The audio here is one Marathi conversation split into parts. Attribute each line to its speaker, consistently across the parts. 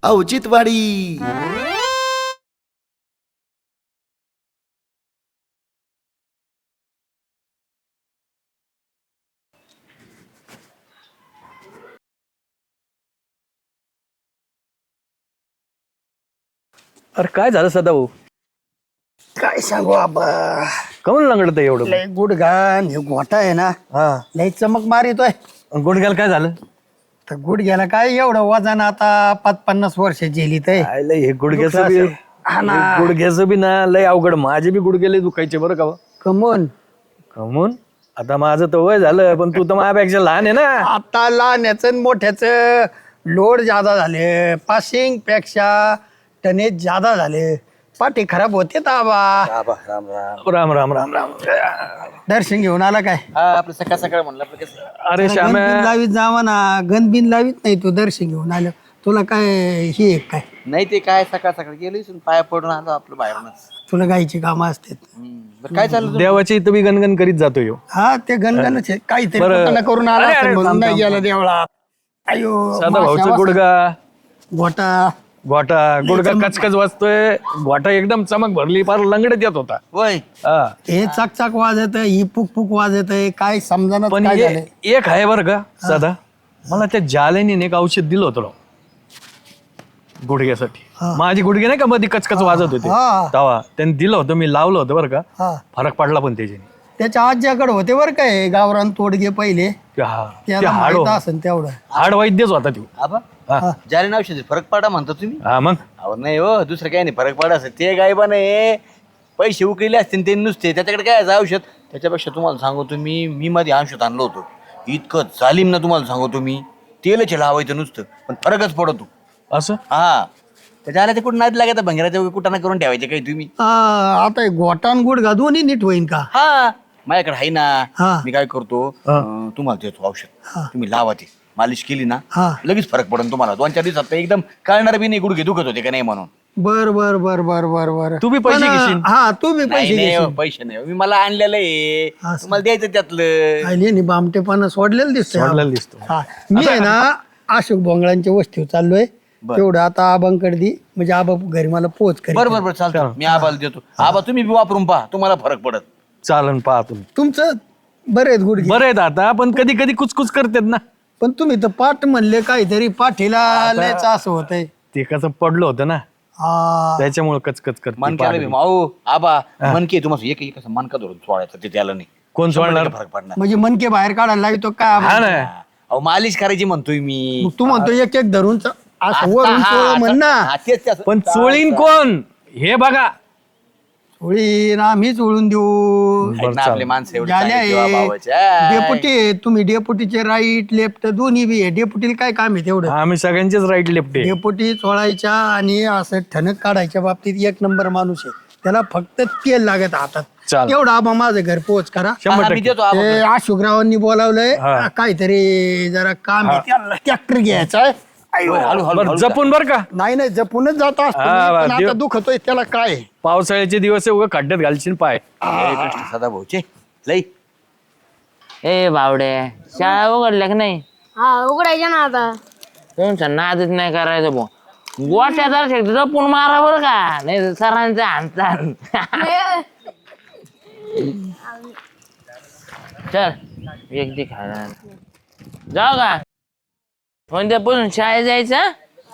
Speaker 1: औचित्यवाडी.
Speaker 2: अरे काय झालं सदाभाऊ?
Speaker 3: काय सांगू आबा,
Speaker 2: कमून लंगडत एवढं?
Speaker 3: लय गुडघान हे गोटा आहे ना,
Speaker 2: हा.
Speaker 3: लय चमक मारितोय.
Speaker 2: गुडघ्याला काय झालं?
Speaker 3: तर गुडघ्याला काय एवढं वजन आता 50 वर्ष झेलीत आहे.
Speaker 2: काय लय हे गुडघ्याचं बी
Speaker 3: हा ना.
Speaker 2: गुडघ्याचं बी ना लय अवघड. माझे बी गुडघे लय दुखायचे बरं का.
Speaker 3: कमून
Speaker 2: कमून आता माझं तर वय झालं, पण तू तर माझ्यापेक्षा लहान आहे ना.
Speaker 3: आता लहान्याच मोठ्याच लोड जादा झाले, पासिंग पेक्षा टनेज जादा झाले, पाठी खराब होते आबा.
Speaker 2: राम राम राम राम.
Speaker 3: दर्शन घेऊन आला काय?
Speaker 4: आपलं सकाळ सकाळ म्हणलं आपलं कसं.
Speaker 2: अरे श्याम्या,
Speaker 3: गणबिन लावीत जावा ना, गणबिन लावीत नाही तू दर्शन घेऊन आलं. तुला काय हे आहे काय?
Speaker 4: नाही ते काय सकाळ सकाळ गेलो इथून पाया पडून आलो आपलं बाहेरूनच.
Speaker 3: तुला गायची कामं असतात.
Speaker 4: बरं काय चाललं
Speaker 2: देवाची इथं मी गणगण करीत जातो ह्यो.
Speaker 3: हा ते गणगणच आहे. काहीतरी
Speaker 2: बरं.
Speaker 3: कुठं करून आला
Speaker 2: अरे,
Speaker 3: असेल
Speaker 2: अरे,
Speaker 3: म्हणून
Speaker 2: थांब,
Speaker 3: नाही
Speaker 2: थांब,
Speaker 3: गेला देवळात. अयो
Speaker 2: सदाभाऊचा
Speaker 3: माश्या
Speaker 2: गुडघा
Speaker 3: गोटा
Speaker 2: गोटा गुडघा कचकच वाजतोय. गोटा एकदम चमक भरली, फार लंगडत येत होता.
Speaker 4: वय
Speaker 2: हा.
Speaker 3: हे चकचक वाजत ही पुक पुक वाजत आहे. काय समजा
Speaker 2: पण
Speaker 3: काय
Speaker 2: हे
Speaker 3: झालंय.
Speaker 2: एक आहे बरं का सदा, मला त्या जालेने एक औषध दिलं होतं राव गुडघ्यासाठी. माझी गुडघे नाही का मध्ये कचकच वाजत होते
Speaker 3: हा.
Speaker 2: तेव्हा त्यांनी दिलं होतं, मी लावलं होतं बरं का.
Speaker 3: हा
Speaker 2: फरक पडला पण त्याच्याने.
Speaker 3: त्याच्या आज्याकडे होते बरं काय गावरान तोडगे पहिले.
Speaker 2: ते
Speaker 3: त्याला
Speaker 2: हाड
Speaker 3: माहित असेल तेवढं.
Speaker 2: हाड वैद्यच होता तो.
Speaker 4: आबा
Speaker 2: हा.
Speaker 4: ज्याने नाव शेती फरक पडा म्हणता तुम्ही.
Speaker 2: हा मग
Speaker 4: अहो नाही हो, दुसरं काही नाही फरक पडा असं. ते गायबा नाही पैसे उकळले असतील ते नुसते, त्याच्याकडे काय आहे औषध. त्याच्यापेक्षा तुम्हाला सांगतो मी मध्ये औषध आणलं होतं. इतकं जालीम ना तुम्हाला सांगतो मी. तेलच लावायचं नुसतं पण फरकच पडतो.
Speaker 2: असं.
Speaker 4: हा त्याच्या ते कुठं नाद लागत भंगाराच्या कुठं करून ठेवायचे काही तुम्ही.
Speaker 3: आता हे गोटान गुडघा दोन्ही नीट होईन का?
Speaker 4: हा माझ्याकडे आहे
Speaker 3: हा.
Speaker 4: ना. मी काय करतो, तुम्हाला देतो औषध, तुम्ही लावा ते. मालिश केली ना
Speaker 3: हा.
Speaker 4: लगेच फरक पडेल तुम्हाला. 2-4 दिवसात तर एकदम कळणार बी नाही गुडघे दुखत होते का नाही म्हणून.
Speaker 3: बर बर बर बर बर बर.
Speaker 2: तू बी पैसे घेशील?
Speaker 3: हा तू बी
Speaker 4: नाही
Speaker 3: पैसे
Speaker 4: नाही हो,
Speaker 3: घेशील.
Speaker 4: पैसे नाही हो. मी मला आणलेलं आहे,
Speaker 3: असं.
Speaker 4: तुम्हाला द्यायचं त्यातलं.
Speaker 3: आली आणि बामटेपणा सोडलेलं दिसतंय.
Speaker 2: सोडलेलं दिसतो.
Speaker 3: हा मी आहे ना अशोक बोंगळांच्या वस्तीवर चाललोय. तेवढं आता आबांकडे दे, म्हणजे आबा घरी मला पोच करेल.
Speaker 4: बरं बरं बरं चालतं. मी आबाला देतो. आबा तुम्ही बी वापरून पहा, तुम्हाला फरक पडत.
Speaker 2: चालन पहा तुम्ही.
Speaker 3: तुमचं बरे आहेत गुडघे.
Speaker 2: बरं आहेत आता, पण कधी कधी कुचकुच करतात ना.
Speaker 3: पण तुम्ही तर पाठ म्हणले काहीतरी पाठीला लयच असं होतंय.
Speaker 2: ते कसं पडलं होतं ना,
Speaker 3: हा
Speaker 2: त्याच्यामुळे कचकच करते.
Speaker 4: मनक्याला बी माऊ आबा मनके तुम्हाला एक असं मनका धरून सोडायचं ते त्याला नाही.
Speaker 2: कोण सोडणार?
Speaker 4: फरक पडणार.
Speaker 3: म्हणजे मनके बाहेर काढायला लागतो काय?
Speaker 2: हा ना.
Speaker 4: अहो मालिश करायची म्हणतोय मी.
Speaker 3: मग तू म्हणतो एक एक धरून असं वरून चोळ म्हण ना.
Speaker 4: तेच तेच.
Speaker 2: पण चोळीन कोण हे बघा.
Speaker 3: चोळी ना आम्हीच ओळून देऊ.
Speaker 4: आहेत ना आपले माणसं एवढे
Speaker 3: झाले
Speaker 4: चांगले
Speaker 3: आहे.
Speaker 4: जीवाभावाचे. आहे.
Speaker 3: डेपुटी तुम्ही डेपुटीचे राईट लेफ्ट दोन्ही बी आहे. डेपुटीला काय काम आहे तेवढं?
Speaker 2: आम्ही सगळ्यांचेच राईट लेफ्ट आहे.
Speaker 3: डेपुटी चोळायच्या आणि असं ठणक काढायच्या बाबतीत एक नंबर माणूस आहे. त्याला फक्त तेल लागत हातात.
Speaker 2: चाल.
Speaker 3: एवढं आबा माझं घर पोच करा.
Speaker 4: हा, मी देतो आबा.
Speaker 3: ते अशोकरावांनी बोलावलंय
Speaker 2: हा.
Speaker 3: काहीतरी जरा काम आहे. त्याला ट्रॅक्टर घ्यायचा आहे.
Speaker 4: हळू हळू
Speaker 2: बरं,
Speaker 4: हळू.
Speaker 2: जपून बर का.
Speaker 3: नाही नाही जपूनच जात असतो
Speaker 2: हा,
Speaker 3: मी, पण
Speaker 2: देव-
Speaker 3: आता दुखतोय त्याला काय आहे?
Speaker 2: पावसाळ्याचे दिवस आहे, उगा खड्ड्यात घालशील पाय.
Speaker 4: हे कृष्ण सदा भाऊचे लई.
Speaker 5: ए बावडे, शाळा उघडल्या की नाही?
Speaker 6: हा उघडायच्या ना आता.
Speaker 5: तुमचा नादच नाही करायचं भाऊ. गोट्या जर जपून मारा बरं का, नाही तर सरांचा हाणतान. चल एक दी खायला जाऊ का? उद्यापासून शाळेत जायचं.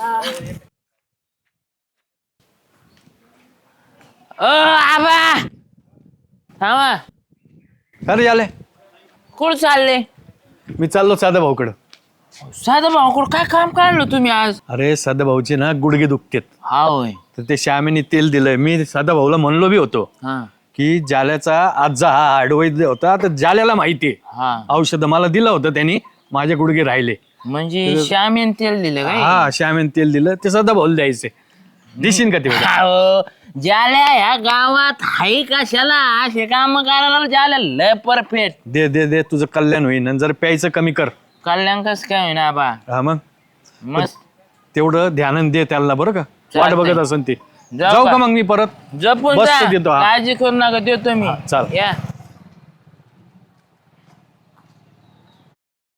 Speaker 5: आबा थांबा.
Speaker 2: अरे झाले,
Speaker 5: कुठं चालले?
Speaker 2: मी चाललो साधा भाऊकडं.
Speaker 5: साधं भाऊ काय काम काढलं तुम्ही आज?
Speaker 2: अरे साधा भाऊचे ना गुडघे दुखतेत,
Speaker 5: हा होय.
Speaker 2: तर ते श्यामेने तेल दिलंय. मी साधा भाऊला म्हणलो बी होतो
Speaker 5: हा
Speaker 2: की जाल्याचा आजचा हा हाडवैद्य होता, तर जाल्याला माहितीये
Speaker 5: हा.
Speaker 2: औषध मला दिलं होतं त्यांनी. माझे गुडघे राहिले.
Speaker 5: म्हणजे श्यामीन तेल दिलं काय?
Speaker 2: हा, श्यामेने तेल दिलं, ते सदा भाऊला द्यायचे. दिशीन का तेवढं?
Speaker 5: अहो, ज्याला ह्या गावात हाय कशाला असे काम करायला ज्याला लय परफेक्ट.
Speaker 2: दे दे दे, तुझं कल्याण होईन. आणि जर प्यायचं कमी कर.
Speaker 5: कल्याण कस काय होईना बा?
Speaker 2: हा मग
Speaker 5: मस्त.
Speaker 2: तेवढं ध्यान दे त्याला बरं का. वाट
Speaker 5: चालतंय.
Speaker 2: बघत असन ते.
Speaker 5: जाऊ
Speaker 2: जाऊ
Speaker 5: का?
Speaker 2: का मग मी परत?
Speaker 5: जपून
Speaker 2: बस
Speaker 5: जा.
Speaker 2: देतो, हा.
Speaker 5: काळजी करू नका, देतो मी.
Speaker 2: चाल.
Speaker 5: या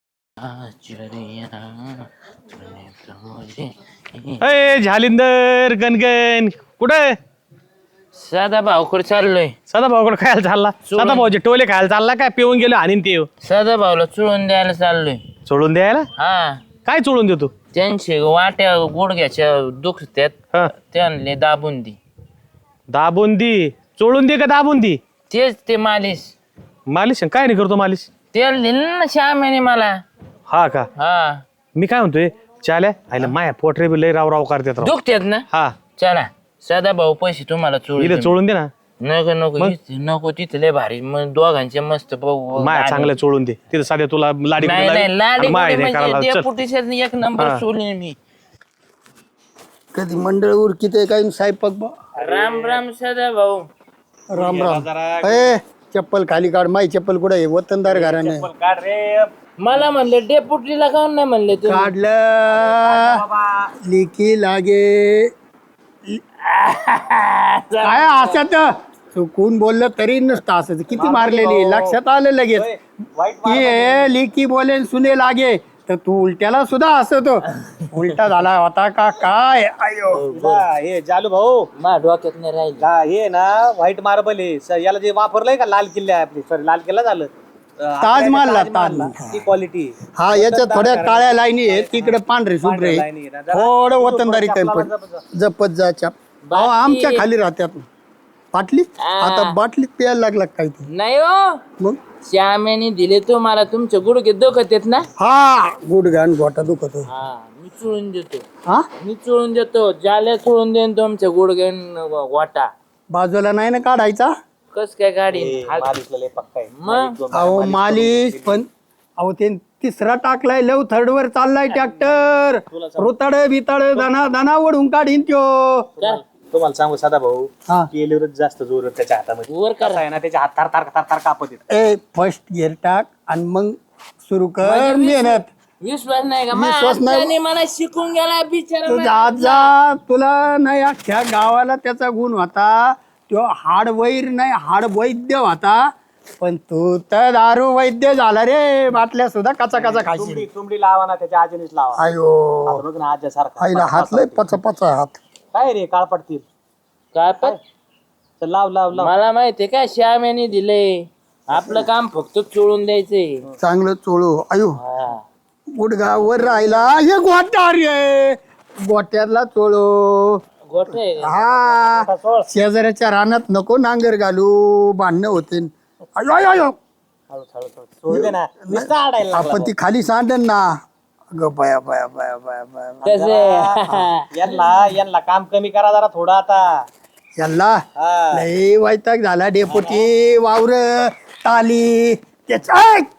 Speaker 2: अय झालिंदर गणगण कुठे
Speaker 5: साधा भाऊकडे चाललोय.
Speaker 2: सदा भाऊकडे खायला चालला? सदा भाऊचे टोले खायला चालला काय? पिऊन गेलो आणि ते
Speaker 5: साधा भाऊला चुळून द्यायला चाललोय.
Speaker 2: सोडून द्यायला?
Speaker 5: हा,
Speaker 2: काय चोळून देतो?
Speaker 5: त्यांचे वाट्या गुडघ्याच्या दुखत्यात,
Speaker 2: हा.
Speaker 5: त्यांनी दाबून दे.
Speaker 2: दाबून दे? चोळून दे का दाबून दे?
Speaker 5: तेच ते मालिश.
Speaker 2: मालिश काय नाही करतो मालिश?
Speaker 5: तेल दिलं ना श्यामेने मला.
Speaker 2: हा का?
Speaker 5: हा,
Speaker 2: मी काय म्हणतोय चाल्या आईला माया पोटरे बी लय राव राव करतात राव.
Speaker 5: दुखत्यात ना.
Speaker 2: हा
Speaker 5: चला साधा भाऊ पैसे तुम्हाला
Speaker 2: इले
Speaker 5: चोळून
Speaker 2: चोळून दे ना.
Speaker 5: नको नको नको, तिथे लय भारी मग दोघांचे मस्त
Speaker 2: माया चांगलं चोळून दे. तिथं साध्या तुला लाडी
Speaker 5: नाही नाही, लाडी
Speaker 2: माय
Speaker 5: गोडी
Speaker 2: नाही करायला
Speaker 5: म्हणजे
Speaker 2: चल.
Speaker 5: डेपुटीच्या एक नंबर
Speaker 2: हा.
Speaker 5: चोळीन मी.
Speaker 3: कधी मंडळ उरकीत आहे काही साहेब
Speaker 5: राम राम साधा भाऊ.
Speaker 3: राम राम. ए चप्पल खाली काढ. माई चप्पल कुठे आहे? वतनदार घराने
Speaker 5: मला म्हणले डेपुटीला काऊन नाही म्हणले तुम्ही?
Speaker 3: काढलं. लिकी लागे काय असत चुकून बोललं तरी नसतं असं. किती मारलेली लक्षात आलं लगेच. ये लिकी बोले सुने लागे तर तू उलट्याला सुद्धा असतो. उलटा झाला होता का काय? आयो
Speaker 1: हे जालू भाऊ
Speaker 5: मा डोक्यात नाही राहील.
Speaker 1: हे ना व्हाईट मार्बल आहे याला जे वापरलंय का लाल किल्ला आपली सॉरी लाल किल्ला झालं
Speaker 3: ताजमहलला ताजमहल.
Speaker 1: ती क्वालिटी
Speaker 3: हा याच्यात थोड्या काळ्या लाईनी आहे, तिकडे पांढरे शुभ्रे आहे. थोडं वतनदारी काय पण जपत जा चाप. अहो, आमच्या खाली राहत्यात बाटली. आता बाटलीत प्यायला लागला काय ते
Speaker 5: नाही हो,
Speaker 3: मग?
Speaker 5: श्यामेने दिले तुम्हाला, तुमचे गुडघे दुखत आहेत ना.
Speaker 3: हा गुडघान गोटा दुखतो.
Speaker 5: हा, मी चोळून देतो.
Speaker 3: हा
Speaker 5: मी चोळून देतो. ज्याला चोळून देईन तुमच्या गुडघे वाटा.
Speaker 3: बाजूला नाही ना काढायचा.
Speaker 5: कस काय गाडी
Speaker 1: पक्का आहे
Speaker 5: मग
Speaker 3: अहो मालिश पण अहो ते तिसरा टाकलाय. लव थर्ड वर चाललाय ट्रॅक्टर. रुताड बिताड दाना दाना ओढून काढीन त्यो.
Speaker 1: तुम्हाला सांगू साधा भाऊ
Speaker 3: हा.
Speaker 1: केलीवरच जास्त जोर आहे त्याच्या हातामध्ये.
Speaker 5: वर
Speaker 1: कसं आहे ना त्याच्या हात थार थार थार थार कापत येत.
Speaker 3: ए फर्स्ट गिअर टाक आणि मग सुरू कर मेहनत.
Speaker 5: विश्वास नाही का?
Speaker 3: विश्वास नाही.
Speaker 5: माणसाने मला शिकून गेला बिचारा.
Speaker 3: तुझ्या आजा तुला नाही अख्ख्या गावाला त्याचा गुण होता. तो हाड वैर नाही हाड वैद्य होता. पण तू तर दारू वैद्य झाला रे. बाटल्या सुद्धा कचा कचा खायची.
Speaker 1: तुमडी लावा ना त्याच्या आजीनेच लावा.
Speaker 3: अयो
Speaker 1: बघ ना आज्या सारखा
Speaker 3: आईला हात लय पचा पचा हात.
Speaker 1: काय रे काळ पडतील.
Speaker 5: काय पण
Speaker 1: चल लाव लाव लाव.
Speaker 5: मला माहितीये का श्यामेने दिले. आपलं काम फक्त चोळून द्यायचंय.
Speaker 3: चांगलं चोळू. अयो
Speaker 5: हा.
Speaker 3: गुडघा वर राहिला. हे गोट्या रे गोट्याला चोळू.
Speaker 5: गोट आहे का?
Speaker 3: हा शेजाऱ्याच्या रानात नको नांगर घालू. भांडणं होते. अयो अयो अयो
Speaker 1: सोड दे ना नुसतं आडायला लागला.
Speaker 3: आपण ती खाली सांडन ना. अगं बया बया बया बया बया.
Speaker 5: कसं
Speaker 1: यांना काम कमी करा जरा थोडं आता.
Speaker 3: याला
Speaker 1: हा.
Speaker 3: लय वैताग झाला. डेपुटी वावर टाली त्याच्या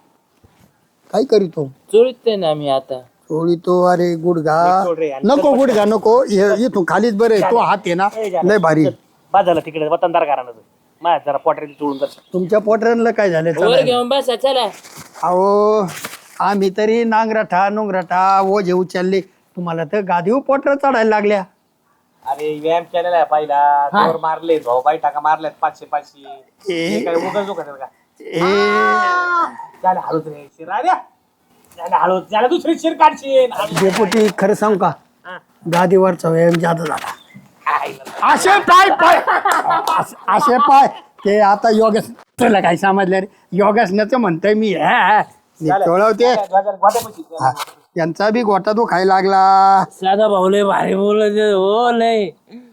Speaker 3: काय करीतो
Speaker 5: चोळीत ना मी आता.
Speaker 3: चोळी तो. अरे गुडघा
Speaker 1: सोड रे.
Speaker 3: नको गुडघा नको. इथून खालीच बरे. तो हात आहे ना लय भारी.
Speaker 1: बाद झालं तिकडे वतनदार घरानं माझ्या जरा पोटरी चोळून कर.
Speaker 3: तुमच्या पोटऱ्यांना काय झालं?
Speaker 5: वर
Speaker 3: चला.
Speaker 5: घेऊन बसा चला.
Speaker 3: अहो आम्ही तरी नांगराठा नुंगराठा ओझे उचलले. तुम्हाला तर गादीवर पोटर चढायला लागल्या.
Speaker 1: अरे व्यायाम केलेला आहे पहिला. जोर मारले भाऊ बाई टाका मारल्यात 500-500. हे काय उगाच दुखत आहे का?
Speaker 3: ए
Speaker 1: त्याला हळूच रे शिर आल्या. त्याला हळूच त्याला दुसरी शिर काढशील.
Speaker 3: डेपुटी खरं सांगू का? गादीवरचा व्यायाम जादा झाला. असे पाय पाय असे पाय ते आता योगास तुला काय समजलं रे? योगासनाचं म्हणतोय मी. चोळवते. हा, यांचा बी गोटा तो खायला लागला.
Speaker 5: साधा भाऊ लय भारी बोलत हो लय.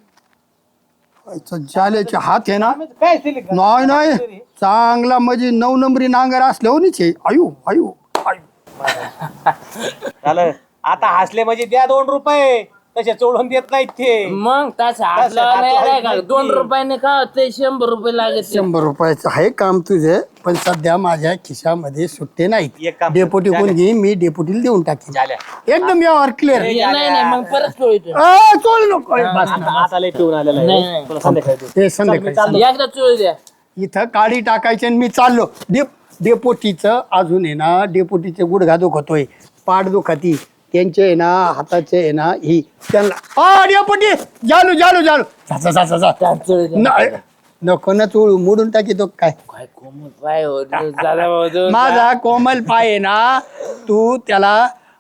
Speaker 3: झाल्याचे हात आहे ना.
Speaker 1: काय सिलिक
Speaker 3: नाही नाही चांगला म्हणजे 9 नंबरी नांगर असल्यावर आयु आयु आयु.
Speaker 1: झालं आता हसले म्हणजे द्या 2 रुपये. तसे चोळून देत नाहीत ते.
Speaker 5: मग तसं हातला नाही का? 2 रुपयाने का ते 100 रुपये लागत.
Speaker 3: 100 रुपयाचं आहे काम तुझे. पण सध्या माझ्या खिशामध्ये सुट्टे नाहीत.
Speaker 1: एक काम
Speaker 3: डेपुटी कोण घेईन मी डेपुटीला देऊन टाकेन.
Speaker 1: झाल्या.
Speaker 3: एकदम व्यवहार क्लिअर.
Speaker 5: नाही नाही मग परत चोळीतो.
Speaker 3: चोळ नको. बस ना.
Speaker 1: आता लय पिऊन आलेला
Speaker 5: नाही,
Speaker 1: आहे.
Speaker 5: नाही.
Speaker 1: तुला संध्याकाळी देऊ.
Speaker 3: ते संध्याकाळी
Speaker 5: एकदा चोळी द्या.
Speaker 3: इथं काडी टाकायची आणि मी चाललो. डेपोटीचं अजून आहे ना. डेपोटीचे गुडघा दुखतोय. पाठ दुखती त्यांचे आहे ना. हाताचे आहे ना. ही त्यांना डेपोटी जालू जालू जालू जा
Speaker 5: चोळी द्या.
Speaker 3: नको ना चोळू. मोडून टाकी तो काय.
Speaker 5: काय कोमल पाय हो साधा भाऊ तो.
Speaker 3: माझा कोमल पाय आहे ना. तू त्याला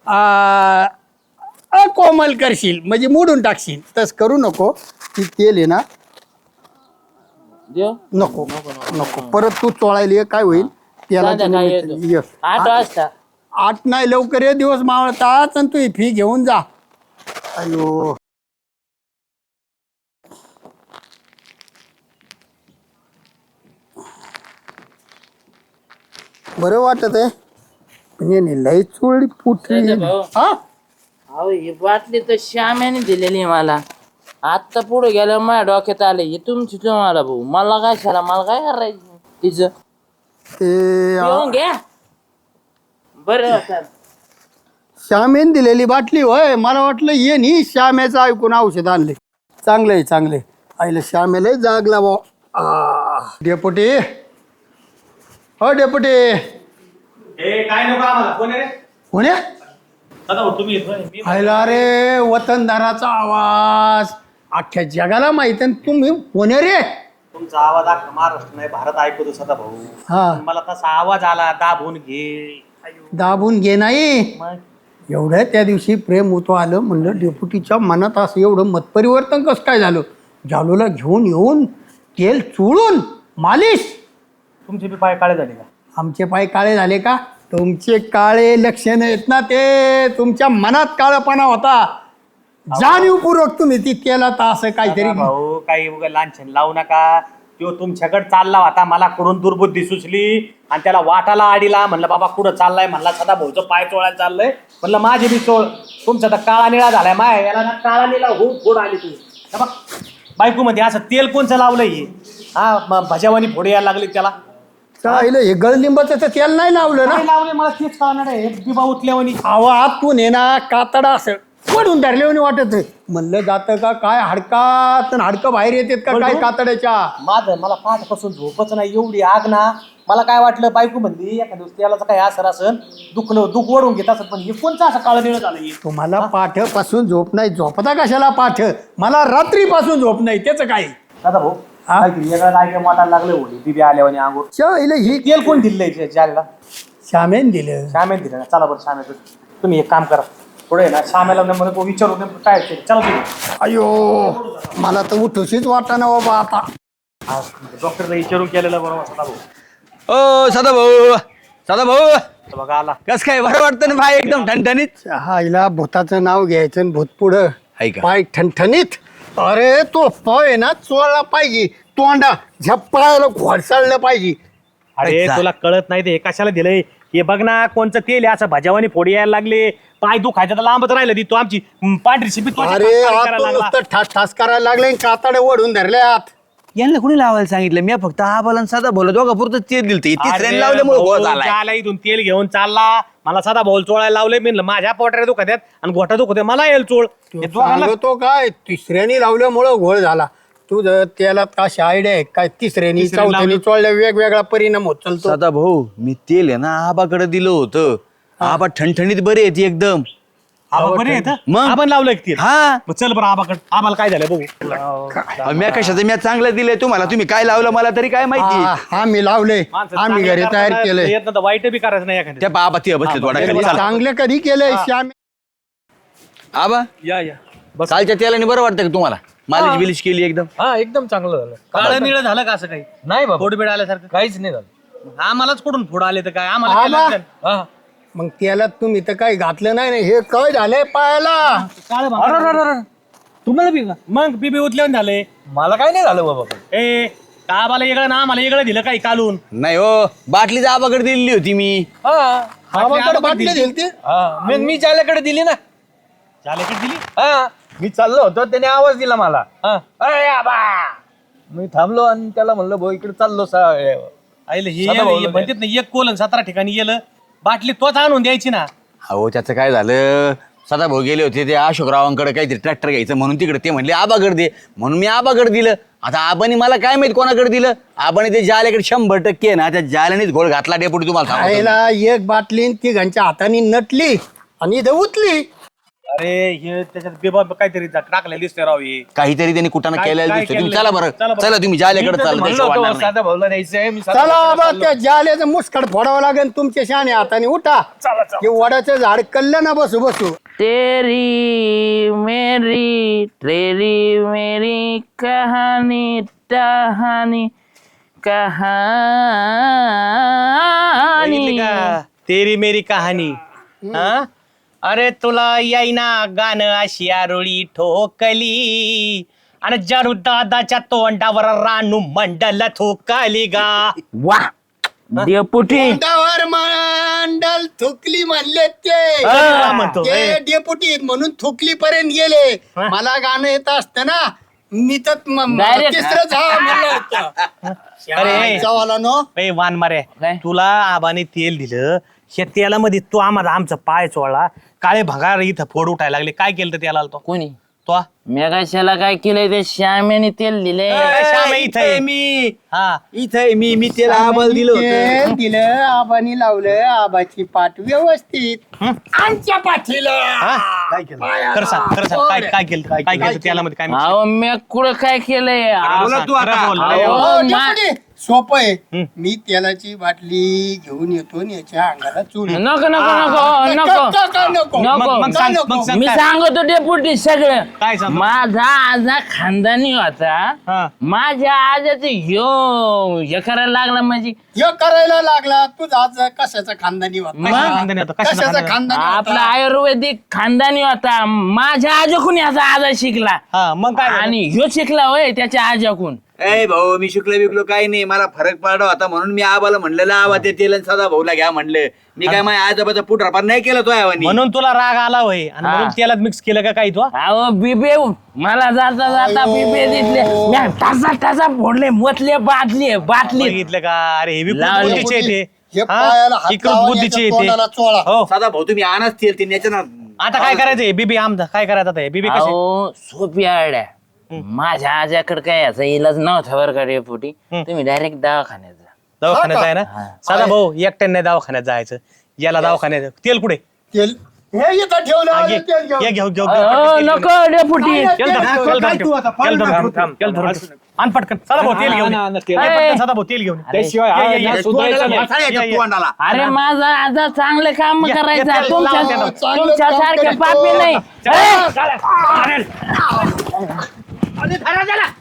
Speaker 3: अकोमल करशील म्हणजे मोडून टाकशील. तस करू नको. ती तेल आहे ना
Speaker 5: देव
Speaker 3: नको नको परत तू चोळायला ये, काय होईल त्याला
Speaker 5: संध्याकाळी येतो. 8 वाजता
Speaker 3: 8 नाही लवकर ये, दिवस मावळतात आणि तू ही फी घेऊन जा. अयो बरं वाटत आहे पण याने लई चोळली पुठली.
Speaker 5: जायचं भाऊ.
Speaker 3: हा
Speaker 5: अहो ही बाटली तर श्याम्याने दिलेली आहे मला. आत्ता पुढे गेल्या माझ्या डोक्यात आले हे तुमची तुम्हाला भाऊ. मला काय झाला, मला काय करायचं तिचं
Speaker 3: ते
Speaker 5: पिऊन घ्या बरं वाटलं.
Speaker 3: श्यामेन दिलेली बाटली होय. मला वाटलं ये नी श्यामेचं ऐकून औषध आणले. चांगलंय चांगलंय. आईला श्यामेला जागला बा. डेपुटी हो डेपुटी.
Speaker 1: ए काय नको आम्हाला कोण आहे रे
Speaker 3: कोण्या
Speaker 1: दादा तुम्ही येतोय मी
Speaker 3: आयला रे वतनदाराचा आवाज अख्ख्या जगाला माहित आहे. तुम्ही कोण्या रे?
Speaker 1: तुमचा आवाज अख्खा महाराष्ट्र नाही भारत ऐकतो सदा भाऊ.
Speaker 3: हा
Speaker 1: मला तसा आवाज आला दाबून घे.
Speaker 3: दाबून घे नाही.
Speaker 1: मग
Speaker 3: एवढं त्या दिवशी प्रेम होतो आलं म्हणलं डेपुटीच्या मनात असं एवढं मतपरिवर्तन कसं काय झालं. जालूला घेऊन येऊन तेल चोळून मालिश.
Speaker 1: तुमचे बी पाय काळे झाले का?
Speaker 3: आमचे पाय काळे झाले का? तुमचे काळे लक्षण आहेत ना ते तुमच्या मनात काळपणा होता. जाणीवपूर्वक तुम्ही ती केला तर असं काहीतरी.
Speaker 1: भाऊ काही उगा लांछन लावू नका. तो तुमच्याकडे चालला होता, मला कडून दुर्बुद्धी सुचली आणि त्याला वाटाला आडीला. म्हणलं बाबा कुठं चाललाय, म्हणला सदा भाऊचं पाय चोळायला चाललंय. म्हणलं माझे बी चोळ. तुमचा तर काळा निळा झालाय माय. याला ना काळा निळा हो फोड आली तू बायको मध्ये. असं तेल कोणचं लावलंय हे? हा भजावानी फोडे यायला लागले त्याला.
Speaker 3: चालेल हे गळलिंबाचं तर तेल नाही लावलं ना.
Speaker 1: काय लावले मला तेच कळणार आहे. दिबा उतल्यावानी
Speaker 3: अहो आतून आहे ना कातडा असं पडून धरल्यावानी वाटत आहे. म्हणलं जातं का काय हाडकात हाडकं बाहेर येतात का काय कातड्याच्या.
Speaker 1: माझं मला पाठपासून झोपच नाही. एवढी आग ना. मला काय वाटलं बायको म्हणली एखाद्या दिवस त्याला काय असर असन दुख ओढून घेत असत. पण हे कोणचं असं काळं निळं झालं हे?
Speaker 3: तुम्हाला पाठपासून झोप नाही. झोपता कशाला पाठ? मला रात्रीपासून झोप नाही. त्याचं काय?
Speaker 1: दादा भाऊ काहीतरी वेगळं काय काय वाटायला लागलं होती दिबी आल्यावानी अंगूर.
Speaker 3: शाईला ही
Speaker 1: तेल कोण दिलंय जायला?
Speaker 3: श्यामेन दिलं.
Speaker 1: श्यामेन दिलं ना. चला बरं श्यामेचं तुम्ही एक काम करा पुढे ना श्यामेला म्हणून विचारू काय ते. चला तुम्ही.
Speaker 3: अयो मला तर उठूशीच वाटाणा बाबा आता.
Speaker 1: डॉक्टरला विचारून केलेलं बरोबर सदा भाऊ.
Speaker 4: ओ सदा भाऊ
Speaker 1: तर बघा आला.
Speaker 4: कस काय बरं वाटतं ना भाई एकदम ठणठणीत.
Speaker 3: हायला भूताचं नाव घ्यायचं आणि भूत पुढं
Speaker 4: हाय का?
Speaker 3: पाय ठणठणीत. अरे तो पाय आहे ना चोळला पाहिजे. तोंडा झप्पायला घोडसाळलं पाहिजे.
Speaker 1: अरे
Speaker 4: अच्छा.
Speaker 1: तुला कळत नाही ते कशाला दिलंय हे बघ ना. कोणचं तेल आहे असं भाज्यावानी फोडी यायला लागले. पाय दुखायचं तर लांबच राहिलं ती. तो आमची पांढरी शिपी
Speaker 3: अरे आतून नुसतं ठास ठास करायला लागले. कातडे ओढून धरल्यात.
Speaker 4: यांना कोणी लावायला सांगितलं? मी फक्त आबाला साधा बोला दोघा पुरतं तेल दिलं. तिसऱ्याने लावल्यामुळे गोळ झालाय.
Speaker 1: झाला इथून तेल घेऊन चालला. मला साधा बोल चोळायला लावले. मी म्हणलं माझ्या पोटाला दुखत आणि गोठा दुखत मला येईल चोळ. हे दोघांना
Speaker 3: सांगतो काय तिसऱ्यानी लावल्यामुळं घोळ झाला. तुझं त्याला अशी आयडिया आहे काय? तिसऱ्यानी चौथ्यानी चोळल्या वेगवेगळा परिणाम होत चालतो.
Speaker 4: सदा भाऊ मी तेल आहे ना आबाकडे दिलं होतं. आबा ठणठणीत बरे येते एकदम.
Speaker 1: आबा बरे आहेत
Speaker 4: मग?
Speaker 1: आपण लावलं तेल.
Speaker 4: हा
Speaker 1: मग चल बरं आबाकडे. आम्हाला काय झालं बघू.
Speaker 4: मी कशाचं मी चांगलं दिलंय तुम्हाला. तुम्ही काय लावलं मला तरी काय माहिती.
Speaker 3: हा मी लावले.
Speaker 1: माणसं
Speaker 3: आम्ही
Speaker 1: चांगले
Speaker 3: घरी तयार
Speaker 1: करताना
Speaker 3: केलंय.
Speaker 1: येत नाही तर वाईट बी करायचं नाही एखाद्या.
Speaker 4: त्या बाबा ते बसले थोडा खाली. चला.
Speaker 3: चांगलं कधी केलंय श्याम?
Speaker 4: आबा
Speaker 2: या
Speaker 4: कालच्या तेलाने बरं वाटतं का तुम्हाला? मालिश बिलिश केली एकदम.
Speaker 2: हा एकदम चांगलं झालं.
Speaker 1: काळं निळं झालं का असं काही?
Speaker 2: नाही बाबा
Speaker 1: फोड बीड आल्यासारखं
Speaker 2: काहीच नाही झालं.
Speaker 1: आम्हालाच कुठून फोड आले तर काय आम्हाला काय
Speaker 3: आबा.
Speaker 1: लागतं?
Speaker 2: हा
Speaker 3: मग त्याला तुम्ही तर काही घातलं नाही ना. हे काय झालंय पायाला?
Speaker 1: काळं भांगड.
Speaker 2: तुम्हाला बी का?
Speaker 1: मग बीबी उतल्यावर झाले.
Speaker 2: मला काय नाही झालं बाबा.
Speaker 1: ए का आम्हाला वेगळं ना आम्हाला वेगळं दिलं काही कालून.
Speaker 4: नाही हो बाटलीच आबाकडे दिलेली होती मी.
Speaker 2: हा
Speaker 3: आबाकडे बाटली दिली ती.
Speaker 2: हा मी जाल्याकडे दिली ना.
Speaker 1: झाले की दिली.
Speaker 2: हा मी चाललो होतो त्याने आवाज दिला मला. हा अरे आबा मी थांबलो आणि त्याला म्हणलं भाऊ इकडे चाललो
Speaker 1: आईला हे
Speaker 2: सदा भाऊ
Speaker 1: म्हणतात ना एक कोलन 17 ठिकाणी गेलं. बाटली तोच आणून द्यायची ना.
Speaker 4: हो त्याचं काय झालं सदा भाऊ गेले होते ते अशोकरावांकडे काहीतरी ट्रॅक्टर घ्यायचं म्हणून तिकडे. ते म्हणले आबाकडे दे म्हणून मी आबाकडे दिलं. आता आबाने मला काय माहित कोणाकडे दिलं. आबाने ते जाल्याकडे 100% ना त्या जाल्यानेच घोळ घातला डेपुटी तुम्हाला सांगतो.
Speaker 3: खायला एक बाटली तिघांच्या हाताने नटली आणि इथं उतली.
Speaker 1: अरे हे त्याच्यात बेबा काहीतरी टाकलेलं दिसतंय राव हे.
Speaker 4: काहीतरी त्यांनी कुठं
Speaker 1: काय-
Speaker 4: केलेलं
Speaker 1: काय
Speaker 4: दिसतं तुम्ही
Speaker 1: केलंय?
Speaker 4: चला बरं
Speaker 1: चला बरं.
Speaker 4: चला तुम्ही जाल्याकडे
Speaker 2: मी तर
Speaker 4: चाललं
Speaker 2: म्हणलं
Speaker 4: त्याशिवाय
Speaker 2: होतं,
Speaker 4: वाढणार नाही.
Speaker 2: साधा भाऊला न्यायचंय मी
Speaker 3: चला बाबा त्या जाल्याचं मुस्कड फोडावं लागेल तुमच्या शाने हाताने उठा की वडाचं झाड कल्लं ना बसू बसू
Speaker 5: तेरी मेरी तेरी मेरी कहानी टहानी
Speaker 1: बघितली
Speaker 5: कहानी
Speaker 1: का? तेरी मेरी कहाणी हा अरे तुला यायना गाणं अशी आरोळी ठोकली आणि जरू दादाच्या तोंडावर रानू मंडल थोकली गा.
Speaker 5: वा डेपुटी
Speaker 3: तोंडावर मंडल थुकली म्हणले
Speaker 1: काय म्हणतो?
Speaker 3: ते डेपुटी म्हणून थुकली पर्यंत गेले मला गाणं येत असतं ना मी तर
Speaker 5: Direct.
Speaker 3: तिसरंच हा म्हणलं होतं.
Speaker 1: अरे
Speaker 3: जावाला नो
Speaker 1: ए वान मारे
Speaker 5: काय?
Speaker 1: तुला आबाने तेल दिलं त्या तेलामध्ये तू आम्हाला आमचा पाय चोळला काळे भंगार इथं फोड उठायला लागले काय केलं तर त्याला तो
Speaker 5: कोणी
Speaker 1: तो
Speaker 5: मेघाशाला काय केलंय ते श्यामेने तेल दिले
Speaker 1: श्याम इथं आहे.
Speaker 4: मी
Speaker 1: हा
Speaker 4: इथं मी त्याला आबाल दिलं होतं
Speaker 3: ते दिलं आबानी लावलं आबाची पाठ व्यवस्थित आमच्या पाठीला
Speaker 1: हा? खरं सांग काय काय केलं काय केलं तेलामध्ये काय mix
Speaker 5: अहो मी कुठं काय केलंय
Speaker 1: केलं?
Speaker 4: बोला तू
Speaker 1: खरं
Speaker 4: आता.
Speaker 1: बोल.
Speaker 5: अहो,
Speaker 3: हो,
Speaker 5: मा-
Speaker 3: डेपुटी, सोपं आहे मी तेलाची बाटली घेऊन येतो आणि याच्या अंगाला चूल
Speaker 5: नको नको नको नको
Speaker 3: नको
Speaker 5: नको.
Speaker 1: मग सांग मग सांग
Speaker 5: मी
Speaker 1: काय?
Speaker 5: सांगतो डेपुटी सगळं
Speaker 1: काय सांगतो?
Speaker 5: माझा आजा खानदानी होता
Speaker 1: हा.
Speaker 5: माझ्या आजाचं हे करायला लागला म्हणजे
Speaker 3: हे करायला लागला तुझा आज कशाचा खानदानी होता
Speaker 1: कशाचा खानदानी होता? कशाचा
Speaker 3: कशाचा
Speaker 1: खानदानी?
Speaker 3: खानदानी
Speaker 5: आपला
Speaker 3: होता?
Speaker 5: आयुर्वेदिक खानदानी होता माझ्या आजोकून याचा आजा शिकला
Speaker 1: हा मग काय झालं?
Speaker 5: आणि ह्यो शिकला होय त्याच्या आजाकून
Speaker 4: ए भाऊ मी शिकलो बिकलो काही नाही मला फरक पडला होता म्हणून मी आबाला म्हणलेलं आबा ते तेल आणि सदा भाऊला घ्या म्हणलं मी काय माझ्या आजोबाचा पुटरापार नाही केलं तो आवानी
Speaker 1: म्हणून तुला राग आला होय आणि म्हणून तेलात मिक्स केलं का काही तू
Speaker 5: अहो बिबे मला जाता जाता बिबे दिसले म्या ठसा ठसा फोडले मोतले बाटली बाटली
Speaker 1: बघितलं का अरे हे विकृत
Speaker 5: लावले.
Speaker 1: बुद्धीचे
Speaker 3: हे
Speaker 1: येते
Speaker 3: पायाला हात
Speaker 1: विकृत
Speaker 3: लावा,
Speaker 1: बुद्धीचे
Speaker 3: याच्या तोंडाला
Speaker 1: येते
Speaker 3: चोळा.
Speaker 1: हो
Speaker 4: सदा भाऊ तुम्ही आणच तेल ते याच्या ना
Speaker 1: आता काय करायचंय बीबी आमचा काय करायचं आता हे? बीबी कसे
Speaker 5: अहो सोपी आड्या माझ्या आजाकडे काय याचा इलाज नव्हता बरं का रेपुटी तुम्ही डायरेक्ट दवाखान्यात जा
Speaker 1: दवाखान्यात आहे ना साधा भाऊ एकट्याने नाही दवाखान्यात जायचं याला दवाखान्यात तेल कुठे
Speaker 3: तेल हे इथं ठेवलं
Speaker 1: हा,
Speaker 3: आहे,
Speaker 1: घे
Speaker 3: तेल घेऊन.
Speaker 1: घे, घेऊ घेऊ
Speaker 5: अहो, नको डेपुटी
Speaker 1: तेल धर, तेल धर, तेल धर. आण पटकन सदा भाऊ तेल घेऊन ये.
Speaker 2: तेल.
Speaker 1: ये पटकन सदा भाऊ तेल घेऊन ये.
Speaker 2: त्याशिवाय
Speaker 1: ये,
Speaker 2: हा
Speaker 1: ये, ये.
Speaker 2: ना सुधारायचं नाही.
Speaker 4: मसाला याच्या
Speaker 1: ये, ये.
Speaker 4: तोंडाला
Speaker 5: अरे माझा आजा चांगले काम
Speaker 1: या,
Speaker 5: करायचा
Speaker 1: या,
Speaker 5: तुमच्या
Speaker 1: लावा,
Speaker 3: चांगलं
Speaker 5: तुमच्या
Speaker 3: काम
Speaker 5: सारखे
Speaker 3: करतो.
Speaker 5: पापी नाही
Speaker 1: चला, चला. अरे, धरा, चला.